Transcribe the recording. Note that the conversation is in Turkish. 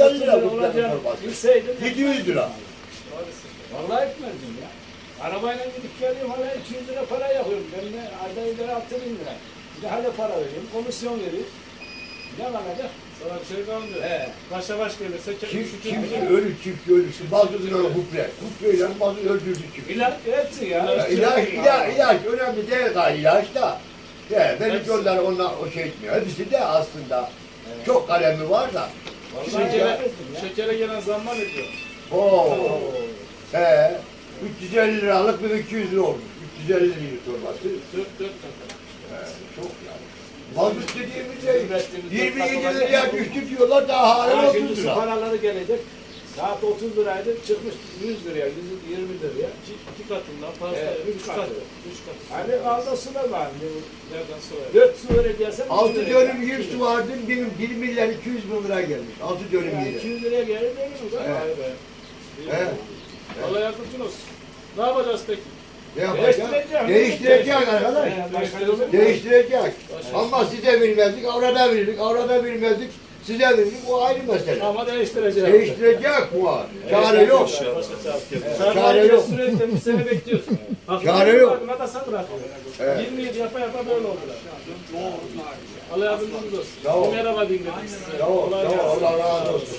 150 lira bu olacağını torbası. bilseydim. 700 lira. Vallahi etmezdim ya. Arabayla gidip geliyorum hala 200 lira para yakıyorum. Ben de ayda idare 6.000 lira. Bir de hala para veriyorum. Komisyon veriyorum. Ne kalacak? Sana bir şey kalmıyor. He. Başa baş gelirse Çiftçi ölür, çiftçi ölür. Bazı diyor hupre. Hupreyle bazı öldürdü çiftçi. İlaç hepsi ya. İlaç önemli değil galiba ilaç da. Benim yollar onlar o şey etmiyor. Hepsi de aslında çok kalemi var da. Şekere gelen zamlar ediyor. Oo. He. 350 liralık bir 200 lira olmuş. 350 lira torbası. 4 Çok yani. Mazot dediğimiz şey 27 liraya düştü diyorlar daha hala Ha, 30 şimdi su lira. paraları gelecek. Saat 30 liraydı çıkmış 100 liraya, 120 liraya. 2 katından fazla. Evet, 3 üç katı. katı. 3 katı. Hani alda su da var. Nereden sonra? 4 su vereceksen 6 dönüm 100 su vardı, benim 1 milyar 200 bin lira gelmiş. 6 dönüm yani yeri. 200 liraya gelir değil mi? Evet. Vay be. He. Allah yardımcın olsun. Ne yapacağız peki? Ne yapacağız? Değiştirecek arkadaş. Başka yolu yok. Değiştirecek. Ama size vermezdik, avrada verirdik, avrada vermezdik, size verirdik, o ayrı mesele. Ama değiştireceğiz. Değiştirecek bu var. Çare yok. Çare yok. Sürekli bir sene bekliyorsun. Çare yok. Buna da sen bırakıyor. Evet. 20 yıl yapa yapa böyle oldular. Allah yardımcınız olsun. Sağ ol. Bir merhaba diyeyim dedim size. Sağ ol, Kolay sağ ol, gelsin. Allah razı olsun.